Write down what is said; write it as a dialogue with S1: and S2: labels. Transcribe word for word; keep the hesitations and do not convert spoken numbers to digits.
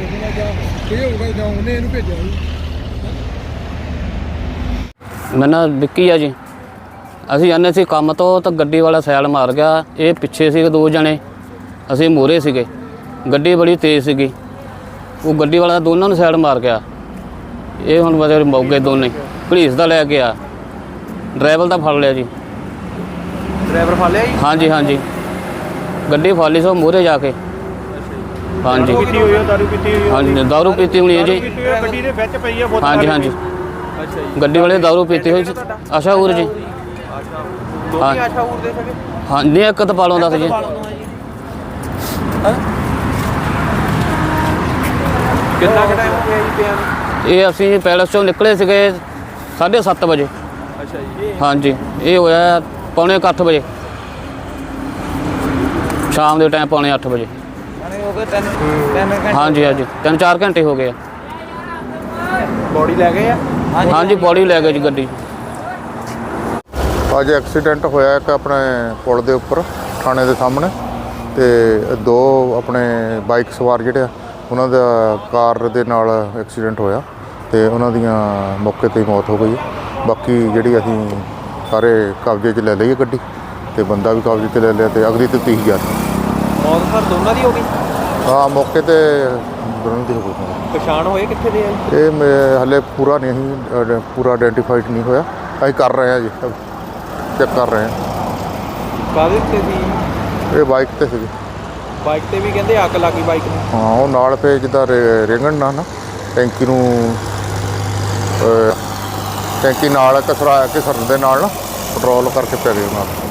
S1: ਕਿਸੇ ਨਾਲ ਜਾਂ ਇਹ ਹੋਊਗਾ ਜਾਂ ਉਹਨੇ ਇਹਨੂੰ ਭੇਜਿਆ ਸੀ।
S2: ਮੇਰਾ ਨਾਮ ਵਿੱਕੀ ਆ ਜੀ। ਅਸੀਂ ਜਾਂਦੇ ਸੀ ਕੰਮ ਤੋਂ ਤਾਂ ਗੱਡੀ ਵਾਲਾ ਸੈਲ ਮਾਰ ਗਿਆ। ਇਹ ਪਿੱਛੇ ਸੀਗੇ ਦੋ ਜਣੇ, ਅਸੀਂ ਮੂਹਰੇ ਸੀਗੇ। ਗੱਡੀ ਬੜੀ ਤੇਜ਼ ਸੀਗੀ, ਉਹ ਗੱਡੀ ਵਾਲਾ ਦੋਨਾਂ ਨੂੰ ਸੈਲ ਮਾਰ ਗਿਆ। ਇਹ ਹੁਣ ਬਸ ਮੌਕੇ ਦੋਨੇ ਪੁਲਿਸ ਦਾ ਲੈ ਕੇ ਆ, ਡਰਾਈਵਰ ਦਾ ਫੜ ਲਿਆ ਜੀ।
S3: ਡਰਾਈਵਰ ਫੜ ਲਿਆ ਜੀ?
S2: ਹਾਂਜੀ ਹਾਂਜੀ, ਗੱਡੀ ਫੜ ਲਈ ਸੋ ਮੂਹਰੇ ਜਾ ਕੇ। ਹਾਂਜੀ
S3: ਪੀਤੀ ਹੋਈ ਹੈ, ਦਾਰੂ ਪੀਤੀ ਹੋਈ ਹੈ?
S2: ਹਾਂਜੀ ਦਾਰੂ ਪੀਤੀ ਹੋਣੀ ਹੈ ਜੀ।
S3: ਗੱਡੀ ਦੇ ਵਿੱਚ ਪਈ ਹੈ ਬੋਤਲ?
S2: ਹਾਂਜੀ ਹਾਂਜੀ,
S3: ਅੱਛਾ ਜੀ।
S2: ਗੱਡੀ ਵਾਲੇ ਦਾਰੂ ਪੀਤੀ ਹੋਈ ਸੀ। ਆਸ਼ਾ ਉਰ ਜੀ।
S3: ਦੋਨੇ ਆਸ਼ਾ ਉਰ ਦੇ ਸਕੇ?
S2: ਹਾਂ ਨਹੀਂ, ਇੱਕ ਤਾਂ ਪਾਲੋਂ ਦੱਸ ਜੀ।
S3: ਕਿੰਨਾ ਕੁ ਟਾਈਮ ਹੋ ਗਿਆ ਜੀ ਪਿਆ ਨੂੰ?
S2: ਇਹ ਅਸੀਂ ਪੈਲਸ ਚੋਂ ਨਿਕਲੇ ਸੀਗੇ ਸਾਢੇ ਸੱਤ ਵਜੇ।
S3: ਅੱਛਾ ਜੀ।
S2: ਹਾਂਜੀ, ਇਹ ਹੋਇਆ ਪੌਣੇ ਕੁ ਅੱਠ ਵਜੇ ਸ਼ਾਮ ਦੇ ਟਾਈਮ, ਪੌਣੇ ਅੱਠ ਵਜੇ।
S3: ਹੋ ਗਏ ਤਿੰਨ ਤਿੰਨ ਘੰਟੇ?
S2: ਹਾਂਜੀ ਹਾਂਜੀ, ਤਿੰਨ ਚਾਰ ਘੰਟੇ ਹੋ ਗਏ ਆ।
S3: ਬੋਡੀ ਲੈ ਗਏ ਆ?
S2: ਹਾਂਜੀ, ਬੋਡੀ ਲੈ ਗਏ ਜੀ ਗੱਡੀ।
S4: ਅੱਜ ਐਕਸੀਡੈਂਟ ਹੋਇਆ ਇੱਕ ਆਪਣੇ ਪੁਲ ਦੇ ਉੱਪਰ ਥਾਣੇ ਦੇ ਸਾਹਮਣੇ, ਤੇ ਦੋ ਆਪਣੇ ਬਾਈਕ ਸਵਾਰ ਜਿਹੜੇ ਆ ਉਹਨਾਂ ਦਾ ਕਾਰ ਦੇ ਨਾਲ ਐਕਸੀਡੈਂਟ ਹੋਇਆ ਤੇ ਉਹਨਾਂ ਦੀਆਂ ਮੌਕੇ 'ਤੇ ਹੀ ਮੌਤ ਹੋ ਗਈ। ਬਾਕੀ ਜਿਹੜੀ ਅਸੀਂ ਸਾਰੇ ਕਬਜ਼ੇ 'ਚ ਲੈ ਲਈ ਗੱਡੀ ਤੇ ਬੰਦਾ ਵੀ ਕਬਜ਼ੇ 'ਚ ਲੈ ਲਿਆ ਤੇ ਅਗਲੀ ਤਫਤੀਸ਼ ਜਾਰੀ।
S3: ਮੌਤ ਸਰ ਦੋਨਾਂ ਦੀ ਹੋ ਗਈ?
S4: ਹਾਂ, ਮੌਕੇ 'ਤੇ ਦੋਨਾਂ ਦੀ ਹੋ ਗਈ।
S3: ਪਛਾਣ ਹੋਏ ਕਿੱਥੇ ਦੇ ਆ?
S4: ਇਹ ਮੈਂ ਹਾਲੇ ਪੂਰਾ ਨਹੀਂ ਅਸੀਂ ਪੂਰਾ ਆਇਡੈਂਟੀਫਾਈਡ ਨਹੀਂ ਹੋਇਆ, ਅਸੀਂ ਕਰ ਰਹੇ ਹਾਂ ਜੀ, ਚੈੱਕ ਕਰ ਰਹੇ ਹਾਂ।
S3: ਕਾਹਦੇ ਤੇ ਸੀ?
S4: ਇਹ ਬਾਈਕ 'ਤੇ ਸੀਗੀ।
S3: ਬਾਈਕ ਤੇ ਵੀ ਕਹਿੰਦੇ ਅੱਗ ਲੱਗੀ ਬਾਈਕ ਨੂੰ?
S4: ਹਾਂ, ਉਹ ਨਾਲ ਪਏ ਜਿੱਦਾਂ ਰੇਂਗਣ ਨਾਲ ਨਾ ਟੈਂਕੀ ਨੂੰ, ਟੈਂਕੀ ਨਾਲ ਘਸਰਾ ਘਸਰਨ ਦੇ ਨਾਲ ਨਾ ਪੈਟਰੋਲ ਕਰਕੇ ਪੈ ਗਏ ਉਹਨਾਂ ਨੂੰ।